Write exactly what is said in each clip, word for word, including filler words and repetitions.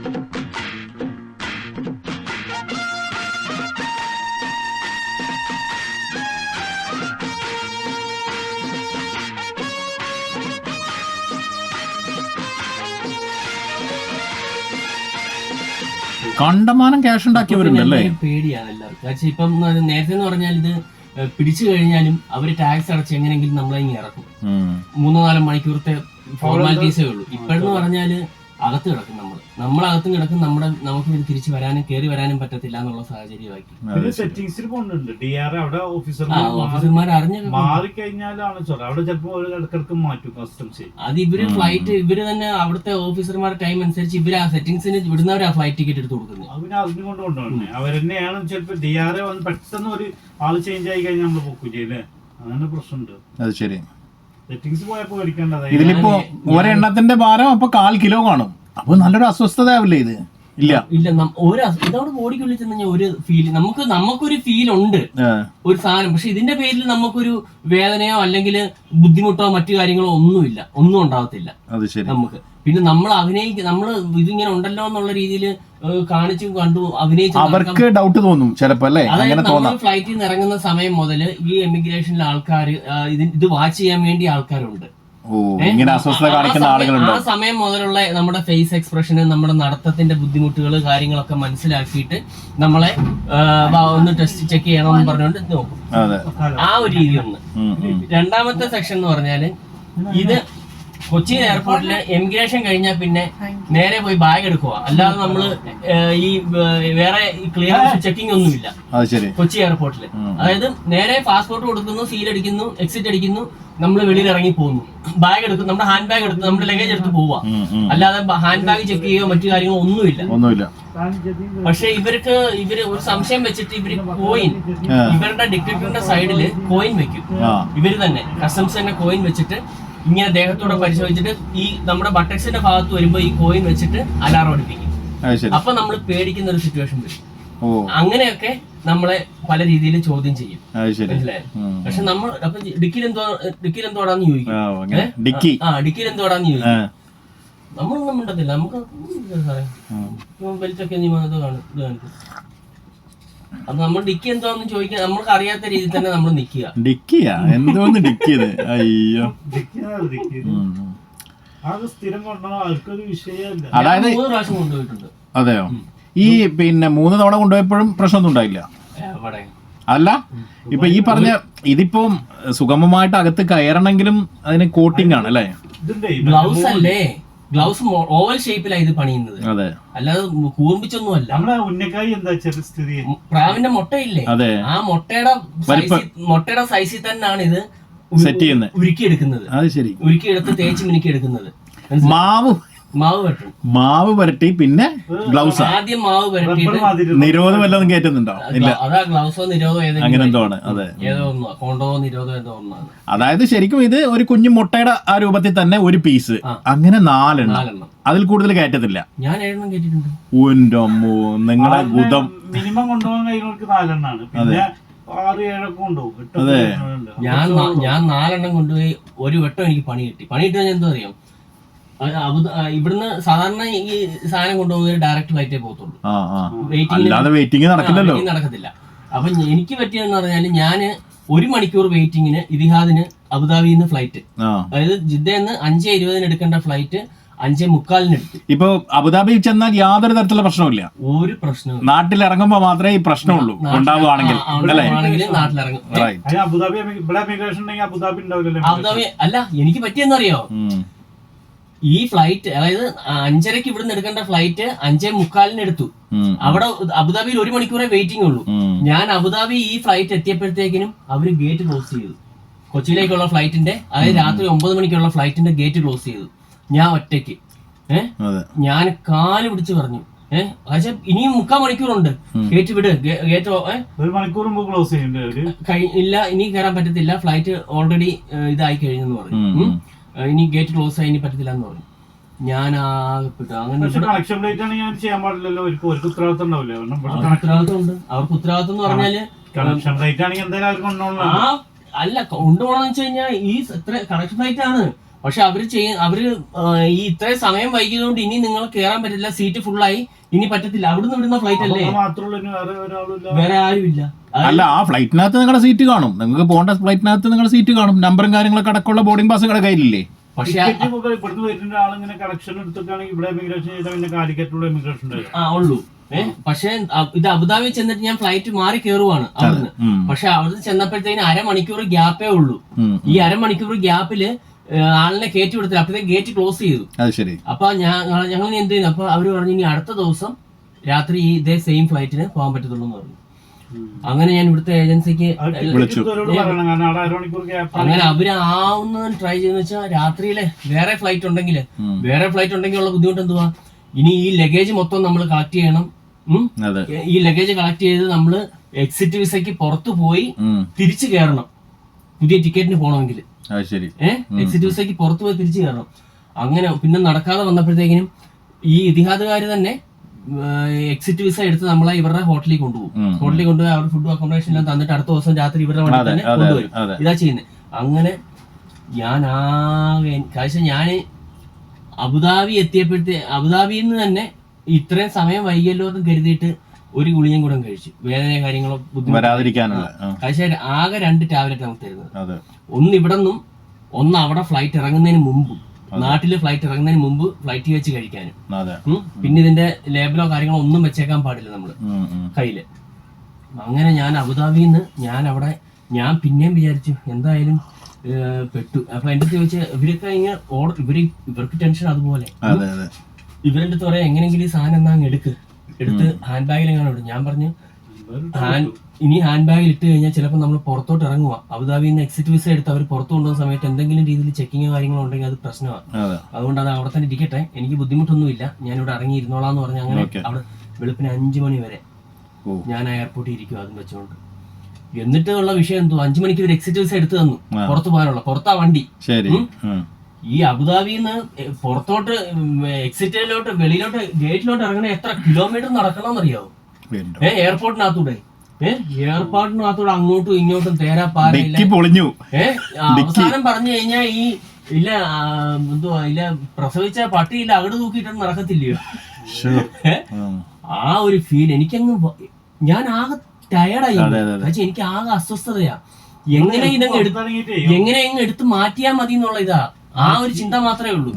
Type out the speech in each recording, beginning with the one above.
കണ്ടമാനം ക്യാഷ് ഉണ്ടാക്കിയവരുണ്ടല്ലേ? പേടിയാണ് എല്ലാവർക്കും. ഇപ്പം നേരത്തെ എന്ന് പറഞ്ഞാൽ ഇത് പിടിച്ചു കഴിഞ്ഞാലും അവര് ടാക്സ് അടച്ച് എങ്ങനെയെങ്കിലും നമ്മളെ ഇങ്ങനെ ഇറക്കും. മൂന്നോ നാലോ മണിക്കൂറത്തെ ഫോർമാലിറ്റീസേ ഉള്ളൂ. ഇപ്പോഴെന്ന് പറഞ്ഞാല് അകത്ത് കിടക്കും നമ്മൾ നമ്മളകത്തും കിടക്കും. നമ്മുടെ നമുക്ക് ഇത് തിരിച്ചു വരാനും കയറി വരാനും പറ്റത്തില്ല എന്നുള്ള സാഹചര്യമാക്കി. ഓഫീസർമാർ അറിഞ്ഞ അത് ഇവര് ഫ്ലൈറ്റ് ഇവര് തന്നെ അവിടുത്തെ ഓഫീസർമാരുടെ ടൈം അനുസരിച്ച് ഇവര് ആ സെറ്റിംഗ്സിന് വിടുന്നവരാ ഫ്ലൈറ്റ് ടിക്കറ്റ് എടുത്ത് കൊടുക്കുന്നത്. അവരെന്നെയാണ് ചിലപ്പോ ഡി ആർ എ വന്ന് പെട്ടെന്ന് ഒരു ആള് ചേഞ്ച് ആയി കഴിഞ്ഞാൽ നമ്മള് പൊക്കൂല്ലേ, അങ്ങനെ പ്രശ്നമുണ്ട്. അത് ശരി. സെറ്റിംഗ്സ് പോയപ്പോ മേടിക്കേണ്ടത് ഇതിലിപ്പോ ഒരെണ്ണത്തിന്റെ ഭാരം അപ്പൊ കാൽ കിലോ കാണും. അപ്പൊ നല്ലൊരു അസ്വസ്ഥതയാവില്ലേ ഇത്? ഇല്ല ഇല്ല ഒരു ഇതവിടെ ബോഡിക്കുള്ളിൽ ചെന്ന് ഒരു ഫീൽ നമുക്ക് നമുക്കൊരു ഫീൽ ഉണ്ട് ഒരു സാധനം. പക്ഷെ ഇതിന്റെ പേരിൽ നമുക്കൊരു വേദനയോ അല്ലെങ്കിൽ ബുദ്ധിമുട്ടോ മറ്റു കാര്യങ്ങളോ ഒന്നുമില്ല, ഒന്നും ഉണ്ടാവത്തില്ല നമുക്ക്. പിന്നെ നമ്മൾ അഭിനയിക്കുക നമ്മള് ഇതിങ്ങനെ ഉണ്ടല്ലോ എന്നുള്ള രീതിയിൽ കാണിച്ചു കണ്ടു അഭിനയിച്ചു അവർക്ക് ഡൗട്ട് തോന്നും ചിലപ്പോ അല്ലേ? അതായത് നമ്മൾ ഫ്ലൈറ്റിൽ നിന്ന് ഇറങ്ങുന്ന സമയം മുതൽ ഈ എമിഗ്രേഷനിലെ ആൾക്കാർ ഇത് വാച്ച് ചെയ്യാൻ വേണ്ടി ആൾക്കാരുണ്ട്. ആ സമയം മുതലുള്ള നമ്മുടെ ഫേസ് എക്സ്പ്രഷന് നമ്മുടെ നടത്തത്തിന്റെ ബുദ്ധിമുട്ടുകൾ കാര്യങ്ങളൊക്കെ മനസ്സിലാക്കിയിട്ട് നമ്മളെ ഒന്ന് ടെസ്റ്റ് ചെക്ക് ചെയ്യണമെന്ന് പറഞ്ഞുകൊണ്ട് നോക്കും. ആ ഒരു രീതി ഒന്ന്. രണ്ടാമത്തെ സെക്ഷൻ എന്ന് പറഞ്ഞാല് ഇത് കൊച്ചി എയർപോർട്ടില് എമിഗ്രേഷൻ കഴിഞ്ഞാൽ പിന്നെ നേരെ പോയി ബാഗ് എടുക്കുക. അല്ലാതെ നമ്മള് ഈ വേറെ ക്ലിയറൻസ് ചെക്കിംഗ് ഒന്നുമില്ല കൊച്ചി എയർപോർട്ടില്. അതായത് നേരെ പാസ്പോർട്ട് കൊടുക്കുന്നു, സീൽ അടിക്കുന്നു, എക്സിറ്റ് അടിക്കുന്നു, നമ്മൾ വെളിയിൽ ഇറങ്ങി പോകുന്നു. ബാഗ് എടുക്കും, നമ്മുടെ ഹാൻഡ് ബാഗ് എടുത്ത് നമ്മുടെ ലഗേജ് എടുത്ത് പോവുക. അല്ലാതെ ഹാൻഡ് ബാഗ് ചെക്ക് ചെയ്യുകയോ മറ്റു കാര്യങ്ങളോ ഒന്നുമില്ല. പക്ഷെ ഇവർക്ക് ഇവര് ഒരു സംശയം വെച്ചിട്ട് ഇവര് കോയിൻ ഇവരുടെ ഡിറ്റക്ടറിന്റെ സൈഡില് കോയിൻ വെക്കും. ഇവര് തന്നെ കസ്റ്റംസ് തന്നെ കോയിൻ വെച്ചിട്ട് ഇങ്ങനെ ദേഹത്തോടെ പരിശോധിച്ചിട്ട് ഈ നമ്മുടെ ബട്ടക്സിന്റെ ഭാഗത്ത് വരുമ്പോ ഈ കോയിൻ വെച്ചിട്ട് അലാറം അടിപ്പിക്കും. അപ്പൊ നമ്മൾ പേടിക്കുന്ന ഒരു സിറ്റുവേഷൻ വരും. അങ്ങനെയൊക്കെ നമ്മളെ പല രീതിയിൽ ചോദ്യം ചെയ്യും. മനസ്സിലായോ? പക്ഷെ നമ്മൾ അപ്പൊ ഡിക്കിൽ എന്തോ ഡിക്കിൽ എന്തോടാന്ന് ചോദിക്കും. ആ ഡിക്കിൽ എന്തോടാന്ന് ചോദിക്കും. നമ്മളൊന്നും മിണ്ടത്തില്ല. നമുക്ക് ബെൽറ്റൊക്കെ ഇത് കാണിക്കും. അപ്പൊ നമ്മൾ ഡിക്കി എന്തോന്ന് ചോദിക്കാൻ നമ്മൾക്ക് അറിയാത്ത രീതിയിൽ തന്നെ നമ്മൾ നിക്കുക. ഡിക്കിയാ എന്തോന്ന് ഡിക്കിയത്? അയ്യോ, അതായത് മൂന്ന് പ്രാവശ്യം കൊണ്ടുപോയിട്ടുണ്ട്. അതെയോ? ഈ പിന്നെ മൂന്ന് തവണ കൊണ്ടുപോയപ്പോഴും പ്രശ്നമൊന്നും ഉണ്ടായില്ല? അല്ല, ഇപ്പൊ ഈ പറഞ്ഞ ഇതിപ്പോ സുഗമമായിട്ട് അകത്ത് കയറണമെങ്കിലും അതിന് കോട്ടിംഗ് ആണ് അല്ലേ? ഗ്ലൗസ് അല്ലേ? ഗ്ലൗസ് ഓവൽ ഷേപ്പിലാണ് ഇത് പണിയുന്നത്, അല്ലാതെ കൂർപ്പിച്ചൊന്നും അല്ല. പ്രാവിന്റെ മുട്ടയില്ലേ, ആ മുട്ടയുടെ മുട്ടയുടെ സൈസിൽ തന്നെയാണ് ഇത് സെറ്റ് ചെയ്യുന്നത്, ഉരുക്കിയെടുക്കുന്നത്. ഉരുക്കിയെടുത്ത് തേച്ച് മിനുക്കി എടുക്കുന്നത്. മാവ് മാവ് വരട്ടും മാവ് വരട്ടി പിന്നെ ഗ്ലൗസ്. ആദ്യം മാവ് വരട്ടിയിട്ട് നിരോധം വല്ലതും കയറ്റുന്നുണ്ടോ? ഇല്ല, അതാ ഗ്ലൗസോ നിരോധോ അങ്ങനെ എന്തോ ആണ്. അതെ, ഏതോ ഒന്നോ കോണ്ടോ നിരോധോ ഏതോ ഒന്നാണ്. അതായത് ശരിക്കും ഇത് ഒരു കുഞ്ഞു മുട്ടയുടെ ആ രൂപത്തിൽ തന്നെ ഒരു പീസ്, അങ്ങനെ നാലെണ്ണം, അതിൽ കൂടുതൽ കയറ്റത്തില്ല. ഞാൻ ഏഴെണ്ണം കയറ്റിട്ടുണ്ട്. ഉന്റമ്മോ, നിങ്ങളെ ഗുദം. മിനിമം കൊണ്ടുപോകാൻ കഴിയുന്നവർക്ക് നാലെണ്ണാണ്. പിന്നെ ആറ് ഏഴൊക്കെ കൊണ്ടുപോകും. അതെ, ഞാൻ ഞാൻ നാലെണ്ണം കൊണ്ടുപോയി ഒരു വട്ടം എനിക്ക് പണി കിട്ടി. പണി കിട്ടിയാൽ ഞാൻ എന്തോ അറിയാം, ഇവിടുന്ന് സാധാരണ ഈ സാധനം കൊണ്ടുപോകുന്നത് ഡയറക്റ്റ് ഫ്ലൈറ്റേ പോകത്തുള്ളൂ, വെയിറ്റിംഗ് നടക്കത്തില്ല. അപ്പൊ എനിക്ക് പറ്റിയെന്ന് പറഞ്ഞാല് ഞാന് ഒരു മണിക്കൂർ വെയിറ്റിങ്ങിന് ഇതിഹാദിന് അബുദാബിയിൽ നിന്ന് ഫ്ലൈറ്റ്, അതായത് ജിദ്ദന്ന് അഞ്ചേ ഇരുപതിന് എടുക്കേണ്ട ഫ്ലൈറ്റ് അഞ്ചേ മുക്കാലിന് എടുത്തു. ഇപ്പൊ അബുദാബി ചെന്നാൽ യാതൊരു തരത്തിലുള്ള പ്രശ്നമില്ല, ഒരു പ്രശ്നവും. നാട്ടിൽ ഇറങ്ങുമ്പോ മാത്രമേ ഈ പ്രശ്നമുള്ളൂ ഉണ്ടാവുകയാണെങ്കിൽ. നാട്ടിലിറങ്ങും. അബുദാബി അല്ല, എനിക്ക് പറ്റിയെന്നറിയോ, ഈ ഫ്ലൈറ്റ് അതായത് അഞ്ചരക്ക് ഇവിടുന്ന് എടുക്കേണ്ട ഫ്ലൈറ്റ് അഞ്ചേ മുക്കാലിന് എടുത്തു. അവിടെ അബുദാബിയിൽ ഒരു മണിക്കൂറേ വെയിറ്റിംഗ് ഉള്ളൂ. ഞാൻ അബുദാബി ഈ ഫ്ലൈറ്റ് എത്തിയപ്പോഴത്തേക്കിനും അവര് ഗേറ്റ് ക്ലോസ് ചെയ്തു. കൊച്ചിയിലേക്കുള്ള ഫ്ലൈറ്റിന്റെ, അതായത് രാത്രി ഒമ്പത് മണിക്കുള്ള ഫ്ലൈറ്റിന്റെ ഗേറ്റ് ക്ലോസ് ചെയ്തു. ഞാൻ ഒറ്റയ്ക്ക് ഏഹ് ഞാൻ കാല് പിടിച്ച് പറഞ്ഞു, ഏഹ് പക്ഷെ ഇനിയും മുക്കാൽ മണിക്കൂറുണ്ട്, ഗേറ്റ് വിട്, ഗേറ്റ് ഒരു മണിക്കൂർ ക്ലോസ് ഇല്ല, ഇനി കയറാൻ പറ്റത്തില്ല, ഫ്ലൈറ്റ് ഓൾറെഡി ഇതായി കഴിഞ്ഞെന്ന് പറഞ്ഞു. ഇനി ഗേറ്റ് ക്ലോസ് ആയി, ഇനി പറ്റത്തില്ല എന്ന് പറഞ്ഞു. ഞാൻ അങ്ങനെ ഉത്തരവാദിത്വം ഉണ്ട്. അവർക്ക് ഉത്തരവാദിത്വം എന്ന് പറഞ്ഞാല് അല്ല കൊണ്ടുപോകണമെന്ന് വെച്ച് കഴിഞ്ഞാൽ ഈ എത്ര കണക്ഷൻ ഫ്ലൈറ്റ് ആണ്, പക്ഷെ അവര് ചെയ്യ അവര് ആ, ഈ ഇത്രയും സമയം വൈകിയതുകൊണ്ട് ഇനി നിങ്ങൾ കയറാൻ പറ്റില്ല, സീറ്റ് ഫുള്ളായി, ഇനി പറ്റത്തില്ല. അവിടുന്ന് വിടുന്ന ഫ്ലൈറ്റ് അല്ലേ, മാത്രമല്ല വേറെ ഒരാളില്ല, വേറെ ആരും ഇല്ല. അല്ല ആ ഫ്ലൈറ്റിനകത്ത് നിങ്ങളുടെ സീറ്റ് കാണും, നിങ്ങൾക്ക് പോകേണ്ട ഫ്ലൈറ്റിനകത്ത് നിങ്ങളുടെ സീറ്റ് കാണും, നമ്പറും കാര്യങ്ങളൊക്കെ അടക്കമുള്ള ബോർഡിംഗ് പാസ് നിങ്ങളുടെ കയ്യിലില്ലേ? പക്ഷെ ഇവിടുന്ന് വരുന്ന ആളിങ്ങനെ കണക്ഷൻ എടുത്തിട്ടാണെങ്കിൽ ഇവിടെ എമിഗ്രേഷൻ ചെയ്താൽ പിന്നെ കാലിക്കറ്റുള്ള എമിഗ്രേഷൻ ആ ഉള്ളൂ. ഏഹ് പക്ഷെ ഇത് അബുദാബി ചെന്നിട്ട് ഞാൻ ഫ്ലൈറ്റ് മാറി കയറുവാണ് അവിടുന്ന്. പക്ഷെ അവിടുന്ന് ചെന്നപ്പോഴത്തേന് അരമണിക്കൂർ ഗ്യാപ്പേ ഉള്ളൂ. ഈ അരമണിക്കൂർ ഗ്യാപ്പില് ആളിനെ കയറ്റി വിടത്തില്ല, അപ്പഴത്തേക്ക് ഗേറ്റ് ക്ലോസ് ചെയ്തു. അപ്പൊ ഞങ്ങൾ എന്ത് ചെയ്യുന്നു, അപ്പൊ അവര് പറഞ്ഞു ഇനി അടുത്ത ദിവസം രാത്രി ഈ ഇതേ സെയിം ഫ്ലൈറ്റിന് പോകാൻ പറ്റത്തുള്ളൂ എന്ന് പറഞ്ഞു. അങ്ങനെ ഞാൻ ഇവിടുത്തെ ഏജൻസിക്ക് അങ്ങനെ അവര് ആവുന്ന ട്രൈ ചെയ്യുന്ന വെച്ചാൽ രാത്രിയിലെ വേറെ ഫ്ലൈറ്റ് ഉണ്ടെങ്കിൽ വേറെ ഫ്ലൈറ്റ് ഉണ്ടെങ്കിൽ ഉള്ള ബുദ്ധിമുട്ട് എന്തുവാ, ഇനി ഈ ലഗേജ് മൊത്തം നമ്മൾ കളക്ട് ചെയ്യണം. ഈ ലഗേജ് കളക്ട് ചെയ്ത് നമ്മള് എക്സിറ്റ് വിസയ്ക്ക് പുറത്തു പോയി തിരിച്ചു കയറണം പുതിയ ടിക്കറ്റിന് പോകണമെങ്കിൽ. ഏഹ് എക്സിറ്റ് വിസയ്ക്ക് പുറത്തു പോയി തിരിച്ചു കയറണം. അങ്ങനെ പിന്നെ നടക്കാതെ വന്നപ്പോഴത്തേക്കിനും ഈ ഇതിഹാദുകാര് തന്നെ എക്സിറ്റ് വിസ എടുത്ത് നമ്മളെ ഇവരുടെ ഹോട്ടലിൽ കൊണ്ടുപോകും. ഹോട്ടലിൽ കൊണ്ടുപോയി അവർ ഫുഡ് അക്കോമഡേഷൻ എല്ലാം തന്നിട്ട് അടുത്ത ദിവസം രാത്രി ഇവരുടെ വണ്ടി തന്നെ കൊണ്ടുവരും. ഇതാ ചെയ്യുന്നത്. അങ്ങനെ ഞാൻ ആകെ കാഴ്ച ഞാൻ അബുദാബി എത്തിയപ്പോഴത്തെ അബുദാബിയിൽ നിന്ന് തന്നെ ഇത്രയും സമയം വൈകിയല്ലോ എന്ന് കരുതിയിട്ട് ഒരു ഗുളിയും കൂടെ കഴിച്ചു, വേദന കാര്യങ്ങളോ വരാതിരിക്കാനുള്ള. കാഴ്ച ആകെ രണ്ട് ടാബ്ലറ്റ് നമുക്ക് തരുന്നത്, ഒന്ന് ഇവിടെ നിന്നും ഒന്ന് അവിടെ ഫ്ലൈറ്റ് ഇറങ്ങുന്നതിന് മുമ്പും, നാട്ടില് ഫ്ലൈറ്റ് ഇറങ്ങുന്നതിന് മുമ്പ് ഫ്ലൈറ്റ് വെച്ച് കഴിക്കാനും. പിന്നെ ഇതിന്റെ ലേബലോ കാര്യങ്ങളോ ഒന്നും വെച്ചേക്കാൻ പാടില്ല നമ്മള് കയ്യില്. അങ്ങനെ ഞാൻ അബുദാബിയിൽ നിന്ന് ഞാൻ അവിടെ ഞാൻ പിന്നെയും വിചാരിച്ചു എന്തായാലും പെട്ടു. അപ്പൊ എന്റെ അടുത്ത് ചോദിച്ചാൽ ഇവരൊക്കെ ഇങ്ങനെ ഓർഡർ ഇവര് ഇവർക്ക് ടെൻഷൻ അതുപോലെ. ഇവരുടെ അടുത്ത് പറയാം എങ്ങനെയെങ്കിലും ഈ സാധനം എന്നാ അങ്ങ് എടുക്ക്, എടുത്ത് ഹാൻഡ് ബാഗിൽ എങ്ങനെ ഇടും. ഞാൻ പറഞ്ഞു ഇനി ഹാൻഡ് ബാഗിൽ ഇട്ട് കഴിഞ്ഞാൽ ചിലപ്പോൾ നമ്മൾ പുറത്തോട്ട് ഇറങ്ങുക, അബുദാബിയിൽ നിന്ന് എക്സിറ്റ് വിസ എടുത്ത് അവർ പുറത്തു കൊണ്ടുപോകുന്ന സമയത്ത് എന്തെങ്കിലും രീതിയിൽ ചെക്കിങ്ങോ കാര്യങ്ങളോ ഉണ്ടെങ്കിൽ അത് പ്രശ്നമാണ്. അതുകൊണ്ട് അത് അവിടെ തന്നെ ഇരിക്കട്ടെ, എനിക്ക് ബുദ്ധിമുട്ടൊന്നുമില്ല, ഞാനിവിടെ ഇറങ്ങി ഇരുന്നോളാന്ന് പറഞ്ഞ് അങ്ങനെ അവിടെ വെളുപ്പിന് അഞ്ചു മണി വരെ ഞാൻ എയർപോർട്ടിൽ ഇരിക്കും അതും വെച്ചുകൊണ്ട്. എന്നിട്ട് ഉള്ള വിഷയം എന്തോ അഞ്ചു മണിക്ക് ഒരു എക്സിറ്റ് വിസ എടുത്തു തന്നു പുറത്തു പോകാനുള്ള, പുറത്താ വണ്ടി. ഈ അബുദാബിയിൽ നിന്ന് പുറത്തോട്ട് എക്സിറ്റിലോട്ട് വെളിയിലോട്ട് ഗേറ്റിലോട്ട് ഇറങ്ങണ എത്ര കിലോമീറ്റർ നടക്കണമെന്നറിയാവോ? ഏഹ് എയർപോർട്ടിനകത്തൂടെ ഏഹ് എയർപോർട്ടിനകത്തൂടെ അങ്ങോട്ടും ഇങ്ങോട്ടും തേരാ പാരയില്ല. ഏഹ് അവസാനം പറഞ്ഞു കഴിഞ്ഞാൽ ഈ ഇല്ല എന്തുവാ ഇല്ല പ്രസവിച്ച പട്ടിയില്ല അകട് തൂക്കിയിട്ടൊന്നും നടക്കത്തില്ലയോ? ആ ഒരു ഫീൽ എനിക്കങ്ങ് ഞാൻ ആകെ ടയർഡായി. പക്ഷെ എനിക്ക് ആകെ അസ്വസ്ഥതയാ, എങ്ങനെ ഇതങ്ങ് എടുത്ത് എങ്ങനെ അങ്ങ് എടുത്ത് മാറ്റിയാ മതി എന്നുള്ള ഇതാ, ആ ഒരു ചിന്ത മാത്രമേ ഉള്ളൂ.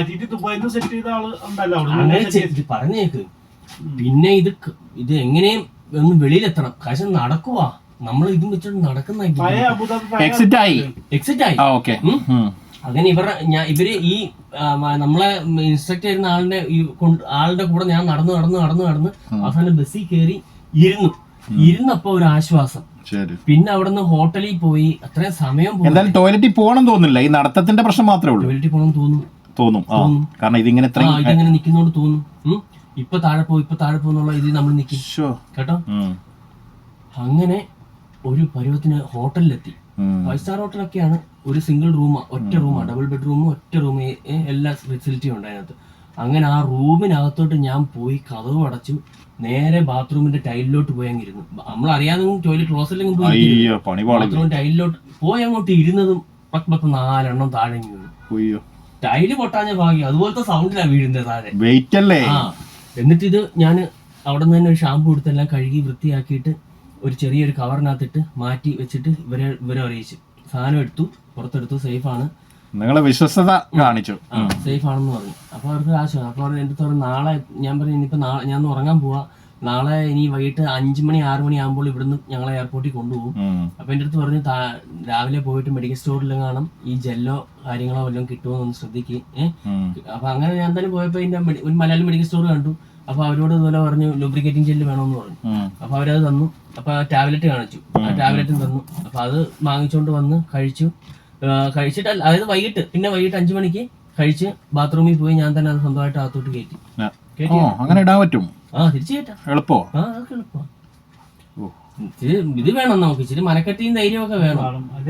അങ്ങനെ പറഞ്ഞേക്ക്. പിന്നെ ഇത് ഇത് എങ്ങനെയും ഒന്ന് വെളിയിലെത്തണം, കാശം നടക്കുവാ നമ്മൾ ഇതും വെച്ചിട്ട് നടക്കുന്ന എക്സിറ്റ് ആയി എക്സിറ്റ് ആയി അങ്ങനെ ഇവരുടെ ഞാൻ ഇവര് ഈ നമ്മളെ ഇൻസ്ട്രക്ട് ചെയ്യുന്ന ആളിന്റെ ആളുടെ കൂടെ ഞാൻ നടന്നു നടന്നു നടന്നു നടന്ന് അവസാനം ബസ്സിൽ കയറി ഇരുന്നു. ഇരുന്നപ്പോ ഒരു ആശ്വാസം. പിന്നെ അവിടുന്ന് ഹോട്ടലിൽ പോയി അത്രയും സമയം എന്തായാലും ടോയ്ലറ്റിൽ പോകണം തോന്നില്ല, ഈ നടത്തത്തിന്റെ പ്രശ്നം മാത്രമേ ഉള്ളൂ. ടോയ്ലറ്റിൽ പോകണം തോന്നും തോന്നും കാരണം ഇതിങ്ങനെ ഇതിങ്ങനെ നിൽക്കുന്നോണ്ട് തോന്നും ഇപ്പൊ താഴെ പോ ഇപ്പൊ താഴെ പോന്നുള്ള ഇതിൽ നമ്മൾ നിൽക്കും കേട്ടോ. അങ്ങനെ ഒരു പരുവത്തിന് ഹോട്ടലിലെത്തി. ഫൈവ് സ്റ്റാർ ഹോട്ടലൊക്കെയാണ്, ഒരു സിംഗിൾ റൂമാ, ഒറ്റ റൂമാ, ഡബിൾ ബെഡ്റൂമും ഒറ്റ റൂം, എല്ലാ ഫെസിലിറ്റിയും ഉണ്ട് അതിനകത്ത്. അങ്ങനെ ആ റൂമിനകത്തോട്ട് ഞാൻ പോയി കതവ് അടച്ചു, നേരെ ബാത്റൂമിന്റെ ടൈലിലോട്ട് പോയി അങ്ങിരുന്നു. നമ്മൾ അറിയാതെ ടോയ്ലറ്റ് ക്ലോസറ്റിലും പോയി ബാത്റൂം ടൈലിലോട്ട് പോയി അങ്ങോട്ട് ഇരുന്നതും പത്ത് പത്ത് നാലെണ്ണം താഴെ വീണു. ടൈല് പൊട്ടാഞ്ഞ ഭാഗ്യം, അതുപോലത്തെ സൗണ്ടിലാ വീഴുന്നത് താഴെ. ആ എന്നിട്ട് ഇത് ഞാൻ അവിടെ നിന്ന് തന്നെ ഒരു ഷാമ്പു എടുത്തെല്ലാം കഴുകി വൃത്തിയാക്കിയിട്ട് ഒരു ചെറിയൊരു കവറിനകത്തിട്ട് മാറ്റി വെച്ചിട്ട് ഇവരെ ഇവരെ അറിയിച്ചു. സാധനം എടുത്തു, പുറത്തെടുത്തു, സേഫാണ്, നിങ്ങളെ വിശ്വസത കാണിച്ചു, സേഫ് ആണെന്ന് പറഞ്ഞു. അപ്പൊ അവർക്ക് ആശയം. അപ്പൊ അവർ എൻ്റെ അടുത്ത് നാളെ ഞാൻ പറഞ്ഞു ഇനിയിപ്പോ നാളെ ഞാൻ ഉറങ്ങാൻ പോവാ, നാളെ ഇനി വൈകിട്ട് അഞ്ചു മണി ആറു മണി ആകുമ്പോൾ ഇവിടുന്ന് ഞങ്ങളെ എയർപോർട്ടിൽ കൊണ്ടുപോകും. അപ്പൊ എൻ്റെ അടുത്ത് പറഞ്ഞു രാവിലെ പോയിട്ട് മെഡിക്കൽ സ്റ്റോറിൽ കാണാം ഈ ജെല്ലോ കാര്യങ്ങളോ വല്ലതും കിട്ടുമോ എന്ന് ശ്രദ്ധിക്കുക. ഏഹ് അപ്പൊ അങ്ങനെ ഞാൻ തന്നെ പോയപ്പോ ഇതിന്റെ ഒരു മലയാളം മെഡിക്കൽ സ്റ്റോർ കണ്ടു. അപ്പൊ അവരോട് ഇതുപോലെ പറഞ്ഞു ലൂബ്രിക്കേറ്റിംഗ് ജെല്ല് വേണമെന്ന് പറഞ്ഞു. അപ്പൊ അവരത് തന്നു. അപ്പൊ ടാബ്ലറ്റ് കാണിച്ചു, ആ ടാബ്ലറ്റും തന്നു. അപ്പൊ അത് വാങ്ങിച്ചോണ്ട് വന്ന് കഴിച്ചു. കഴിച്ചിട്ട് അതായത് വൈകിട്ട് പിന്നെ വൈകിട്ട് അഞ്ചു മണിക്ക് കഴിച്ച് ബാത്റൂമിൽ പോയി ഞാൻ തന്നെ അത് സ്വന്തമായിട്ട് അകത്തോട്ട് കയറ്റി. അങ്ങനെ ഇടാൻ പറ്റും? ആ തിരിച്ചു കയറ്റാം. എളുപ്പോ? ആ അതൊക്കെ എളുപ്പമാണ്. ഇത് വേണം നമുക്ക്, ഇച്ചിരി മനക്കെട്ടിയും ധൈര്യമൊക്കെ വേണം.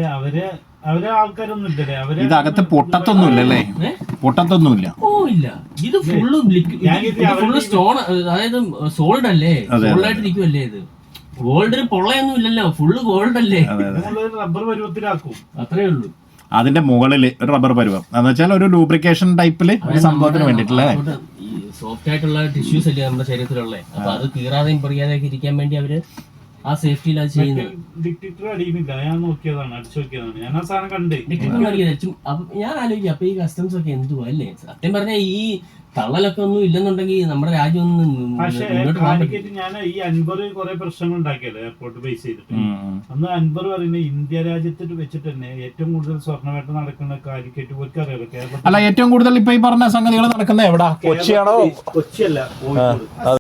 ഇത് അകത്ത് പൊട്ടത്തൊന്നുമില്ലല്ലേ? പൊട്ടത്തൊന്നുമില്ല. ഓ ഇല്ല, ഇത് ഫുള്ള് ഫുള്ള് സ്റ്റോൺ, അതായത് സോൾഡ് അല്ലേ, സോൾഡ് ആയിട്ട് ഇരിക്കുമല്ലേ. ഇത് ഗോൾഡിന് പൊള്ളയൊന്നും ഇല്ലല്ലോ, ഫുള്ള് ഗോൾഡ് അല്ലേ, റബ്ബർ പരുവത്തിലാക്കും, അത്രേ ഉള്ളൂ. അതിന്റെ മുകളിൽ ഒരു റബ്ബർ പരുവം എന്ന് വെച്ചാൽ ഒരു ലൂബ്രിക്കേഷൻ ടൈപ്പില് ഒരു സംഭവത്തിന് വേണ്ടിട്ടല്ലേ. ഈ സോഫ്റ്റ് ആയിട്ടുള്ള ടിഷ്യൂസ് അല്ലേ നമ്മുടെ ശരീരത്തിലുള്ളത്, അപ്പൊ അത് കീറാതെയും പൊറിയാതെയൊക്കെ ഇരിക്കാൻ വേണ്ടി അവര് ആ സേഫ്റ്റിയിൽ അത് ചെയ്യുന്നത്. ഡിക്റ്റേറ്റർ അടിയുന്നില്ല, ഞാൻ നോക്കിയതാണ്, അടിച്ചു നോക്കിയതാണ്, ഞാൻ ആ സാധനം കണ്ടേ. ഞാൻ ആലോചിക്കും അപ്പൊ ഈ കസ്റ്റംസ് ഒക്കെ എന്തുവാ അല്ലേ. സത്യം പറഞ്ഞാൽ ഈ തള്ളലൊക്കെ ഒന്നും ഇല്ലെന്നുണ്ടെങ്കിൽ നമ്മുടെ രാജ്യം ഒന്നും പക്ഷേ കാലിക്കറ്റ് ഞാൻ ഈ അൻവർ കുറെ പ്രശ്നങ്ങൾ ഉണ്ടാക്കിയല്ലോ എയർപോർട്ട് ബേസ് ചെയ്തിട്ട്. അന്ന് അൻവർ പറയുന്നത് ഇന്ത്യ രാജ്യത്തിൽ വെച്ചിട്ട് തന്നെ ഏറ്റവും കൂടുതൽ സ്വർണ്ണവേട്ട നടക്കുന്ന കാലിക്കറ്റ് പോലും അറിയാലോ. കേരളത്തിൽ അല്ല ഏറ്റവും കൂടുതൽ ഇപ്പൊ ഈ പറഞ്ഞ സംഗതികൾ നടക്കുന്നത് എവിടാ? കൊച്ചിയാണോ? കൊച്ചിയല്ല, കോഴിക്കോട്.